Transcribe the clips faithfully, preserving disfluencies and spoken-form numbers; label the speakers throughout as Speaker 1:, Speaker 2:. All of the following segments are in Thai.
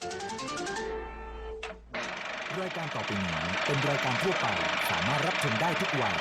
Speaker 1: รายการต่อไปนี้เป็นรายการทั่วไปสามารถรับชมได้ทุกวัย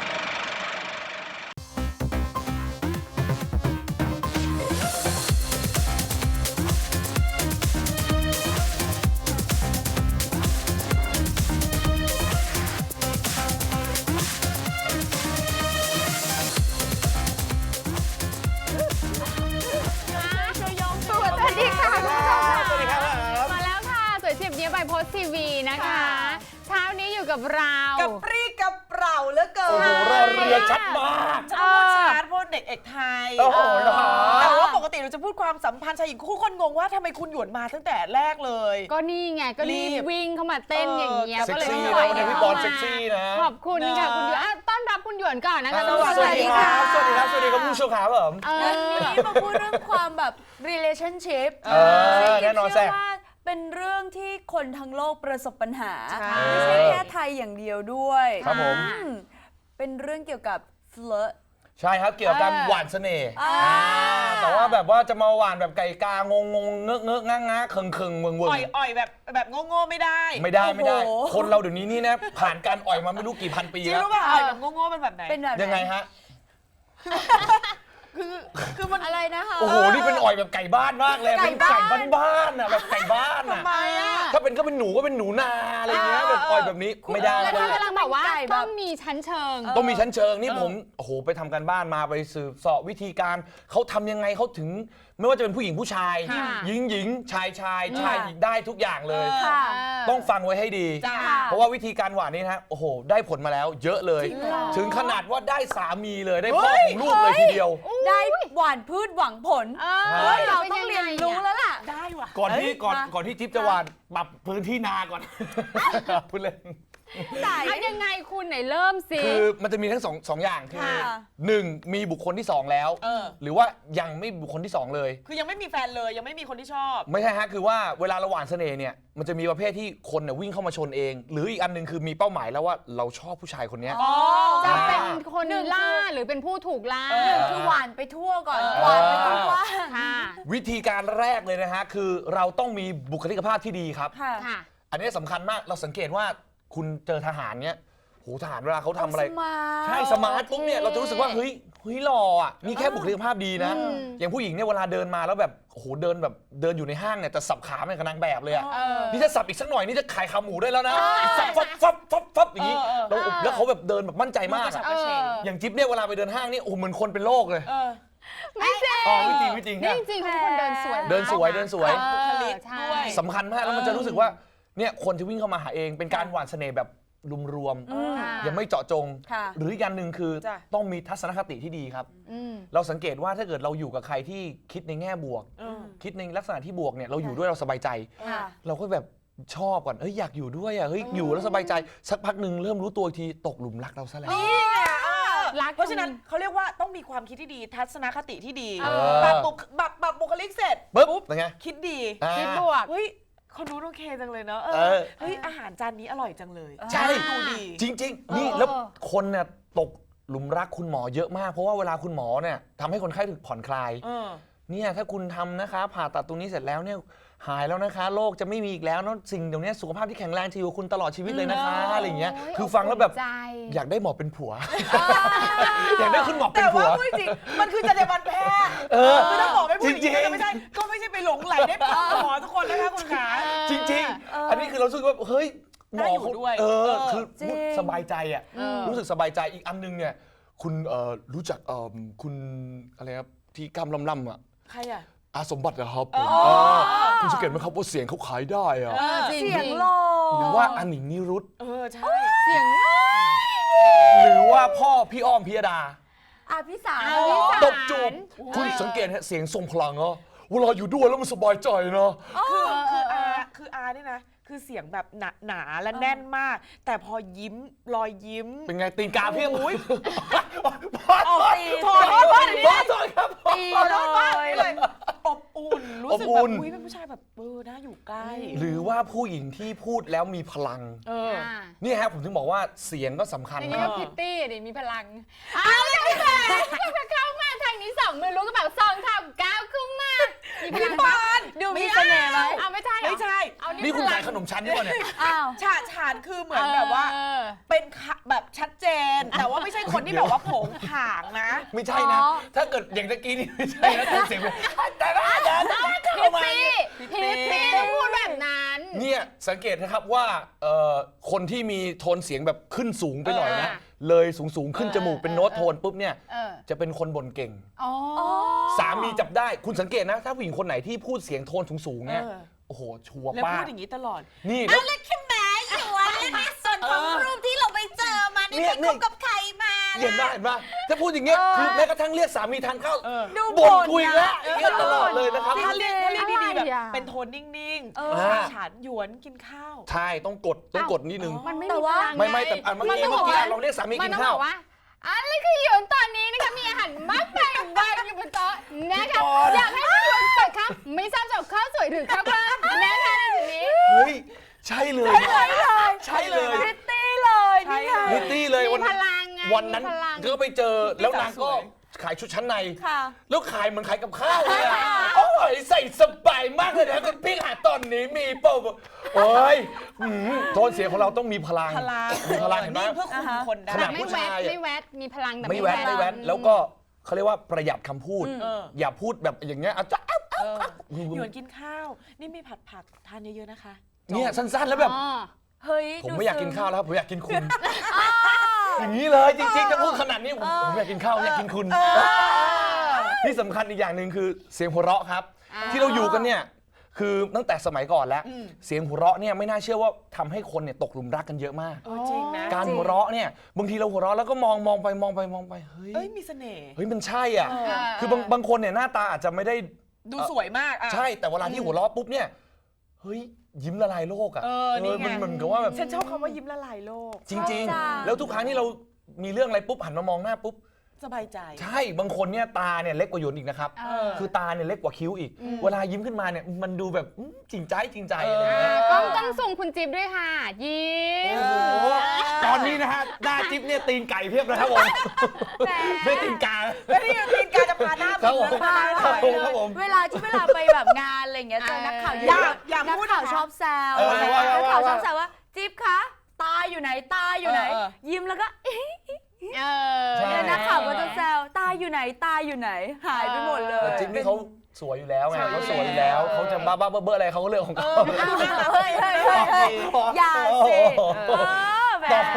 Speaker 2: โพสทีวีนะคะเช้านี้อยู่กับเรา
Speaker 3: กับปรีกับเปล่าเหลือเกิน
Speaker 4: โอ้โหรอเรือชัดมาก
Speaker 3: จะพูดชาร์จพูดเด็กเอกไทย
Speaker 4: โอ้โหเหรอ
Speaker 3: แต่ว่าปกติเราจะพูดความสัมพันธ์ชายหญิงคู่คนงงว่าทำไมคุณหยวนมาตั้งแต่แรกเลย
Speaker 2: ก็นี่ไงก็รีบวิ่งเข้ามาเต้นอย่างเงี้ย
Speaker 4: เซ็
Speaker 2: ก็
Speaker 4: ก
Speaker 2: เลย
Speaker 4: ซี่
Speaker 2: ไม่
Speaker 4: นะ
Speaker 2: ไหว
Speaker 4: วันนี้พี่บอลเซ็กซี่นะ
Speaker 2: ขอบคุณค่ะคุณหยวนต้อนรับคุณหยวนก่อนนะคะ
Speaker 4: สวัสดีครับสวัสดีครับสวัสดีครับผู้ชมครับผม
Speaker 5: วันนี้มาพูดเรื่องความแบบ relationship
Speaker 4: เออแน่นอนแซ่บ
Speaker 5: เป็นเรื่องที่คนทั้งโลกประสบปัญหา
Speaker 3: ใช่
Speaker 5: ไม่ใช่แค่ไทยอย่างเดียวด้วย
Speaker 4: ครับผม
Speaker 5: อืมเป็นเรื่องเกี่ยวกับ flirt
Speaker 4: ใช่ครับเกี่ยวกับการหวานเสน่ห์
Speaker 5: อ่า
Speaker 4: แต่ว่าแบบว่าจะมาหวานแบบไก่กางงงเงอะเงอะง้างง้าเคิงเคิงเมืองเมือง
Speaker 3: อ่อยอ่อยแบบแบบโง่ๆไม่ได้
Speaker 4: ไม่ได้ไม่ได้ คนเราเดี๋ยวนี้นี่นะผ่านการอ่อยมาไม่รู้กี่พันปี
Speaker 3: จริง
Speaker 4: แล้ว
Speaker 3: รู้ป่ะอ่อยแบบโง่ๆเป็นแบบไหน
Speaker 5: เป็นแบบหน
Speaker 4: ยังไงฮะ
Speaker 3: คือคือมัน
Speaker 5: อะไรนะคะ
Speaker 4: โอ้โหนี่เป็นอ่อยแบบไก่บ้านมากเลยเป็นไก่บ้านๆอ่ะแบบไก่บ้านอ่ะ
Speaker 3: ทำไมอ่ะ
Speaker 4: ถ้าเป็นก็เป็นหนูก็เป็นหนูนาอะไรเงี้ยแบบอ่อยแบบนี้ไม่ได้
Speaker 2: แล้ว
Speaker 4: เล
Speaker 2: ถ้าย กำลังบอกว่า
Speaker 5: ไก่แบบ
Speaker 2: ต้องมีชั้นเชิง
Speaker 4: ต้องมีชั้นเชิงนี่ผมโอ้โหไปทำการบ้านมาไปสืบเสาะวิธีการเขาทำยังไงเขาถึง ไม่ว่าจะเป็นผู้หญิงผู้ชาย
Speaker 2: ค่ะ
Speaker 4: หญิงหญิงชายชายชายหญิงได้ทุกอย่างเลย
Speaker 5: ค่ะ
Speaker 4: ต้องฟังไว้ให้ดี
Speaker 3: จ้า
Speaker 4: เพราะว่าวิธีการหวานนี่นะฮะโอ้โหได้ผลมาแล้ว เยอะเลย
Speaker 5: จริงเหรอ
Speaker 4: ถึงขนาดว่าได้สามีเลยได้พ่อของลูกเลยทีเดียว
Speaker 5: ได้หวานพืชหวังผล
Speaker 2: เอ
Speaker 5: เฮ้ย
Speaker 2: อ
Speaker 5: เราต้องเรียนรู้แล้วล่ะ
Speaker 3: ได้ว่ะ
Speaker 4: ก่อนที่
Speaker 5: เอ้ย
Speaker 4: ก่อน
Speaker 5: มา
Speaker 4: ก่อนที่จิ๊บจะหวานปรับพื้นที่นาก่อน พูดเล่น
Speaker 2: เอายังไงคุณไหนเริ่มสิ
Speaker 4: คือมันจะมีทั้งสองสองอย่างคือ
Speaker 5: ค่ะ
Speaker 4: หนึ่งมีบุคคลที่สองแล้ว
Speaker 3: เออ
Speaker 4: หรือว่ายังไม่บุคคลที่สองเลย
Speaker 3: คือยังไม่มีแฟนเลยยังไม่มีคนที่ชอบ
Speaker 4: ไม่ใช่ฮะคือว่าเวลาเราหวานเสน่ห์เนี่ยมันจะมีประเภทที่คนเนี่ยวิ่งเข้ามาชนเอง หรืออีกอันหนึงคือมีเป้าหมายแล้วว่าเราชอบผู้ชายคนเนี้ย
Speaker 3: อ๋อ
Speaker 2: จะเป็นคนล่าหรือเป็นผู้ถูกล่า
Speaker 3: เออ
Speaker 5: คือหวานไปทั่วก่อน
Speaker 3: เออ
Speaker 5: หวานไปกว้าง
Speaker 2: ค่ะ
Speaker 4: วิธีการแรกเลยนะฮะคือเราต้องมีบุคลิกภาพที่ดีครับ
Speaker 5: ๆค่ะ
Speaker 2: ค่ะ
Speaker 4: อันนี้สำคัญมากเราสังเกตว่าคุณเจอทหารเนี่ยโหทหารเวลาเขาทำอะไร
Speaker 5: สมาร์ท
Speaker 4: ใช่สมาร์ทปุ๊บเนี่ยเราจะรู้สึกว่าเฮ้ยเฮ้ยหล่ออ่ะนี่แค่บุคลิกภาพดีนะ
Speaker 2: อืม
Speaker 4: อย่างผู้หญิงเนี่ยเวลาเดินมาแล้วแบบโอ้โหเดินแบบเดินอยู่ในห้างเนี่ยจะสับขาเป็นกับนางแบบเลยอ่ะ
Speaker 2: เออ
Speaker 4: นี่จะสับอีกสักหน่อยนี่จะขายขาหมูได้แล้วนะสับฟับฟับฟับฟับอย่างนี้
Speaker 3: เออเออ
Speaker 4: แล้วแล้วเขาแบบเดินแบบมั่นใจมาก
Speaker 3: กระฉับ
Speaker 4: อะ
Speaker 3: กระเฉง
Speaker 4: อย่างจิ๊บเนี่ยเวลาไปเดินห้างนี่โอ้โหเหมือนคนเป็นโรคเลย
Speaker 3: เออ
Speaker 2: ไม่จริง
Speaker 4: อ๋อไม่จริงไม่จริง
Speaker 2: นี่
Speaker 4: นะ
Speaker 2: จริงๆเขาเป็นคนเดินสวย
Speaker 4: เดินสวยเดินสวย
Speaker 2: เออ
Speaker 3: บุคลิก
Speaker 2: ใช่
Speaker 3: ด้วย
Speaker 4: สำคัญมากแล้วมันจะรู้สึกว่าเนี่ยคนที่วิ่งเข้ามาหาเองเป็นการหว่านเสน่ห์แบบรวม
Speaker 2: ค่ะ
Speaker 4: ๆยังไม่เจาะจง
Speaker 5: ค่ะ
Speaker 4: หรืออีกอย่างหนึ่งคือ
Speaker 3: จ้ะ
Speaker 4: ต้องมีทัศนคติที่ดีครับ
Speaker 2: อืม
Speaker 4: เราสังเกตว่าถ้าเกิดเราอยู่กับใครที่คิดในแง่บวก
Speaker 3: เออ
Speaker 4: คิดในลักษณะที่บวกเนี่ยเราอยู่ด้วยเราสบายใจ
Speaker 5: ค่ะ
Speaker 4: เราก็แบบชอบก่อนเอ้ยอยากอยู่ด้วยอ่ะเฮ้ยอยู่แล้วสบายใจสักพักหนึ่งเริ่มรู้ตัวอีกทีตกหลุมรักเราซะแล้ว
Speaker 3: นี่ไงเออ
Speaker 2: รัก
Speaker 3: เพราะฉะนั้นเขาเรียกว่าต้องมีความคิดที่ดี ทัศนคติที่ดี
Speaker 2: เออ
Speaker 3: ปรับบุคปรับปรับบุคลิกเสร็จ
Speaker 4: ปุ๊บเป็นไง
Speaker 3: คิดดี
Speaker 4: อ่า
Speaker 2: คิดบวก
Speaker 3: เฮ้ยคนนู้นโอเคจังเลยเนอะเอ
Speaker 4: เอ
Speaker 3: อ
Speaker 4: อ
Speaker 3: เฮ้ยอาหารจานนี้อร่อยจังเลย
Speaker 4: ใช่
Speaker 3: ดูดี
Speaker 4: จริง ๆ นี่แล้วคนเนี่ยตกหลุมรักคุณหมอเยอะมาก เพราะว่าเวลาคุณหมอเนี่ยทำให้คนไข้ถึงผ่อนคลาย
Speaker 3: เออ
Speaker 4: เนี่ยถ้าคุณทำนะคะ ผ่าตัดตรงนี้เสร็จแล้วเนี่ยหายแล้วนะคะโรคจะไม่มีอีกแล้วเนอะสิ่งเดี๋ยวนี้สุขภาพที่แข็งแรงจะอยู่กับคุณตลอดชีวิตเลยนะคะอะไรอย่างเงี้ย
Speaker 2: โอ้ย
Speaker 4: คือฟังแล้วแบบ
Speaker 2: อบอุ่นใจ
Speaker 4: อยากได้หมอเป็นผัว อยากได้คุณหมอเป็
Speaker 3: แต่
Speaker 4: นผั
Speaker 3: ว่าว พูดจริงมันคือจรรยาบรรณแพทย์
Speaker 4: เออ
Speaker 3: คือถ้าหมอไม่พูดอย่าง
Speaker 4: จริ
Speaker 3: นี้
Speaker 4: งๆ
Speaker 3: ก็ไม่ใช่ก็ไม่ใช่ไปหลงไหลได้ปหมอทุกคนนะคะคุณขา
Speaker 4: จริงๆ อันนี้คือเรารู้สึกว่าเฮ้ยหมอเขา
Speaker 3: น่าอยู่ด้วย
Speaker 4: เออ
Speaker 3: เออ
Speaker 4: คือ
Speaker 5: จริง
Speaker 4: สบายใจอ่ะ
Speaker 2: เออ
Speaker 4: รู้สึกสบายใจอีกอันนึงเนี่ยคุณเอ่อรู้จักเอ่อคุณอะไรครับที่กำลำลำอ่ะ
Speaker 3: ใครอ่ะ
Speaker 4: อาสมบัตินะครับ
Speaker 3: อ๋อ
Speaker 4: เออคุณสังเกตไหมครับว่าเสียงเขาขายได้อะ
Speaker 3: เออ
Speaker 2: จริง
Speaker 5: เสียงหล่อ
Speaker 4: หรือว่าอันหนิงนิรุต
Speaker 3: เออใช่
Speaker 2: เสียง
Speaker 4: หรือว่าพ่อพี่อ้อมพิยดา
Speaker 5: อ่ะพี่สาว
Speaker 2: อ่ะพี่สาว
Speaker 4: ตบจูบคุณสังเกตฮะเสียงทรงพลังเนาะเวลาอยู่ด้วยแล้วมันสบายใจเนาะ
Speaker 3: คือคืออาคืออาเนี่ยนะคือเสียงแบบหนาหนาและแน่นมาก แต่พอยิ้มรอยยิ้ม
Speaker 4: เป็นไงตีนกาเพียง
Speaker 3: โอ้ย
Speaker 4: พ่อ
Speaker 3: ออกตีโทษโทษโทษ
Speaker 4: พ่อโทษครับ
Speaker 5: ตี
Speaker 3: ขอ
Speaker 5: เล
Speaker 3: โทษมาก
Speaker 5: ย
Speaker 3: เลยอบอุ่นรู้สึก
Speaker 4: อบอุ่
Speaker 3: แบบ
Speaker 4: น
Speaker 3: อุ้ยเป็นผู้ชายแบบเออน่าอยู่ใกล้
Speaker 4: หรือว่าผู้หญิงที่พูดแล้วมีพลัง
Speaker 3: เออ
Speaker 2: อ่า
Speaker 4: นี่ฮะผมถึงบอกว่าเสียงก็สำคัญ
Speaker 2: อัน
Speaker 4: ค
Speaker 2: นี้
Speaker 4: รั
Speaker 2: ก็
Speaker 4: บ
Speaker 2: พิตตี้ดิมีพลังเอาเลยค่ะเข้ามาทางนี้สองมือรู้กระเป๋าซองทำก้าวขึ้นมามีพลังปาน
Speaker 5: ดูมีเสน่ห์ไหม
Speaker 2: เอาไม่ใช่เหรอ
Speaker 3: ไม่ใช่
Speaker 2: เอา
Speaker 4: นี่คุณขายขนมชั้นนี่ป่ะเนี่ย
Speaker 5: อ้าว
Speaker 3: ฉาฉานคือเหมือนแบบว่า
Speaker 2: เออ
Speaker 3: เป็นคะแบบชัดเจน แต่ว่าไม่ใช่คนที่แบบว่าโผงผางนะ
Speaker 4: ไม่ใช่นะ
Speaker 5: อ๋อ
Speaker 4: ถ้าเกิดอย่างตะกี้นี่ไม่ใช่นะแต่เสียงเป็นแต่ว่าเดินเข้ามา
Speaker 2: พี่พี่ต้องพูดแบบนั้น
Speaker 4: เนี่ยสังเกตนะครับว่าเอ่อคนที่มีโทนเสียงแบบขึ้นสูงไปหน่อยนะ
Speaker 2: เออ
Speaker 4: เลยสูงสูงๆขึ้น
Speaker 2: เออ
Speaker 4: จมูกเป็น
Speaker 2: เออ
Speaker 4: โน้ต
Speaker 2: เออ
Speaker 4: โทนปุ๊บเนี่ย
Speaker 2: เออ
Speaker 4: จะเป็นคนบ่นเก่ง
Speaker 2: อ๋อ
Speaker 4: สามีจับได้คุณสังเกตนะ ถ้าผู้หญิงคนไหนที่พูดเสียงโทนสูงๆเนี่ย
Speaker 3: เออ
Speaker 4: โอ้โหชัวร์
Speaker 3: แล้ว
Speaker 4: ป้า
Speaker 3: พูดอย่างนี้ตลอด
Speaker 4: นี่แล้ว
Speaker 5: แล้วคือแม่อยู่วะแล้วในส่วนของรูปที่เราไปเจอมานี่
Speaker 4: เนี่ย
Speaker 5: ไป
Speaker 4: เนี่
Speaker 5: ค
Speaker 4: ย
Speaker 5: บกับใครมา
Speaker 4: เห็นป่ะเห็นป่ะถ้าพูดอย่างเงี้ย
Speaker 5: เออ
Speaker 4: คือแม้กระทั่งเรียกสามีทานข้าว
Speaker 3: เออ
Speaker 5: ดู
Speaker 4: บ่น
Speaker 5: บ่น
Speaker 4: คุย
Speaker 5: นะ
Speaker 4: แล้วอย่างเงี้ยตลอดเลยนะครับ
Speaker 3: ถ้าเรียกถ้าเรียกดีๆแบบ
Speaker 2: อะไรอ่ะ
Speaker 3: เป็นโทนนิ่ง
Speaker 5: เอ
Speaker 3: ๆ
Speaker 5: อ
Speaker 3: ฉาฉานหยวนกินข้าว
Speaker 4: ใช่ต้องกดต้องกดนิดนึง
Speaker 2: มันไม่
Speaker 5: แต่
Speaker 2: มี
Speaker 5: ว่า
Speaker 2: พลัง
Speaker 4: ไม่ไม่
Speaker 2: ง
Speaker 4: แต่อันเมื่อ
Speaker 2: มัน
Speaker 4: กี้
Speaker 2: ต้อง
Speaker 4: เมื่
Speaker 2: บ
Speaker 4: อ
Speaker 2: อก
Speaker 4: กี้
Speaker 2: ว่า
Speaker 4: เราเรียกสามี
Speaker 2: มั
Speaker 4: กิ
Speaker 2: น
Speaker 4: น
Speaker 2: ต้อง
Speaker 4: ข้า
Speaker 2: บ
Speaker 4: ว
Speaker 2: อกว่าอะไรคือหยวนตอนนี้นะคะมีอาหารมากมายวางอยู่บนโต๊ะนะคะ
Speaker 4: พี่กรณ์
Speaker 2: อยากให้พี่หยวนเปิดครับไม่ทราบจะเอาข้าวสวยหรือข้าวกล้องนะคะในจุดนี้
Speaker 4: เฮ้ยใช่เลยใช่เลย
Speaker 5: พริตตี้เลย
Speaker 3: ใช่
Speaker 5: นี่ไง
Speaker 3: เลย
Speaker 4: นิตตี้เลย
Speaker 2: มี
Speaker 4: วัน
Speaker 2: พ
Speaker 4: นั้น
Speaker 2: ลังไง
Speaker 4: วันนั้น
Speaker 2: มีพลัง
Speaker 4: ก็ไปเจอแล้วนางก็
Speaker 3: สวย
Speaker 4: ขายชุดชั้นใน
Speaker 5: ค่ะ
Speaker 4: แล้วขายเหมือนขายกับข้าวเลยอะโอ้ยใส่สบายมากเลยนะคุณพี่หาตอนนี้มีเปล่าโอ้ยอืมโทนเสียงของเราต้องมีพลัง
Speaker 3: พลัง
Speaker 4: มีพลังเห็นไหม
Speaker 3: นี่เพื่อคุมคนได้
Speaker 4: ขนาด
Speaker 2: ไม่
Speaker 4: ผู้
Speaker 2: แว
Speaker 4: ชา
Speaker 2: ด
Speaker 4: ยอะ
Speaker 2: ไม่แวดมีพลังแต่
Speaker 4: ไม่แวะไม่แวะแล้วก็เขาเรียกว่าประหยัดคำพูด
Speaker 3: เออ
Speaker 4: อย่าพูดแบบอย่างเงี้ยอ่ะจ๊ะ
Speaker 3: เออหยวนกินข้าว นี่มีผัดผักทานเยอะๆนะคะ
Speaker 4: เนี่ยสั้นๆแล้วแบบ
Speaker 2: อ๋อ
Speaker 5: เฮ้ย
Speaker 4: ผม
Speaker 5: ดู
Speaker 4: ไม่อยาก
Speaker 5: ซึ้
Speaker 4: กิ
Speaker 5: ง
Speaker 4: นข้าวแล้วผมอยากกินคุณ อย่างนี้เลยจริงๆจะพูดขนาดนี้ผมผมอยากกินข้าวอยากกินคุณที่สำคัญอีกอย่างหนึ่งคือเสียงหัวเราะครับ
Speaker 2: อ่า
Speaker 4: ที่เราอยู่กันเนี่ยคือตั้งแต่สมัยก่อนแล้ว
Speaker 3: อืม
Speaker 4: เสียงหัวเราะเนี่ยไม่น่าเชื่อว่าทำให้คนเนี่ยตกหลุมรักกันเยอะมาก
Speaker 3: เออจริงนะ
Speaker 4: การหัวเราะเนี่ยบางทีเราหัวเราะแล้วก็มองมองไปมองไปมองไปเฮ้ย
Speaker 3: เอ้ยมีเสน่ห์
Speaker 4: เฮ้ยมันใช่อ่ะ
Speaker 3: เออ
Speaker 4: คือบางบางคนเนี่ยหน้าตาอาจจะไม่ได้
Speaker 3: ดูสวยมากอ่ะ
Speaker 4: ใช่แต่เวลาที่หัวเราะปุ๊บเนี่ยเฮ้ยยิ้มละลายโลกอ่ะ
Speaker 3: เออนี่ไง
Speaker 4: มันเหมือนกับว่าแบบ
Speaker 3: ฉันชอบคำว่ายิ้มละลายโลก
Speaker 4: จริง
Speaker 5: ชอบจัง
Speaker 4: ๆ แล้วทุกครั้งที่เรามีเรื่องอะไรปุ๊บหันมามองหน้าปุ๊บ
Speaker 3: สบายใจ
Speaker 4: ใช่บางคนเนี่ยตาเนี่ยเล็กกว่าหยวนอีกนะครับ
Speaker 2: เออ
Speaker 4: คือตาเนี่ยเล็กกว่าคิ้วอีก
Speaker 2: อืม
Speaker 4: เวลายิ้มขึ้นมาเนี่ยมันดูแบบอื้อจริงใจจริงใจ
Speaker 3: เออ
Speaker 4: อะไร
Speaker 2: อ่า
Speaker 4: เงี้ย
Speaker 2: กล้องต้องส่งคุณจิ๊บด้วยค่ะ ยิ้ม
Speaker 4: โอ้โหตอนนี้นะฮะหน้าจิ๊บเนี่ยตีนไก่เพียบนะครับผม
Speaker 2: แหม
Speaker 4: ไม่ตีนกา
Speaker 3: แล้วนี่ตีนกาจะพาหน้า
Speaker 4: ครับผม
Speaker 3: พาหน้า
Speaker 4: ครับ
Speaker 3: ไป
Speaker 4: ผม
Speaker 3: เล
Speaker 4: ครับ
Speaker 3: ย
Speaker 4: ผม
Speaker 5: เวลาที่เวลาไปแบบงานอะไรอย่างเงี้ยเจอนักข่าว
Speaker 2: เออ
Speaker 5: เย
Speaker 3: อย่า
Speaker 5: อะ
Speaker 3: อย่า
Speaker 5: นัก
Speaker 3: พูด
Speaker 5: ข่าว
Speaker 3: นะคะ
Speaker 5: ชอบแซว
Speaker 4: เออว่าว่า
Speaker 5: นักข่าว
Speaker 4: ว่า
Speaker 5: ชอบแซวว่าจิ๊บคะตาอยู่ไหนตาอยู่ไหน
Speaker 3: เออ
Speaker 5: ยิ้มแล้วก็เอ๊ะ
Speaker 2: เออ
Speaker 4: ใช่
Speaker 5: เนี่ยนักข่าวก็จะแซวตาอยู่ไหนตาอยู่ไหน หายไปหมดเลย
Speaker 4: แต่จิ๊บนี่เขาสวยอยู่แล้วไง
Speaker 3: ใช่
Speaker 4: เขาสวยอยู่แล้วเขาจะบ้าบ้าๆเบ้อๆอะไรเขาก็เรื่องของเขา
Speaker 3: เออดูน่ารัก
Speaker 5: เฮ้ยเฮ้ยเฮ้ยเฮ้ยอย่าสิเออแหม
Speaker 4: ตอบ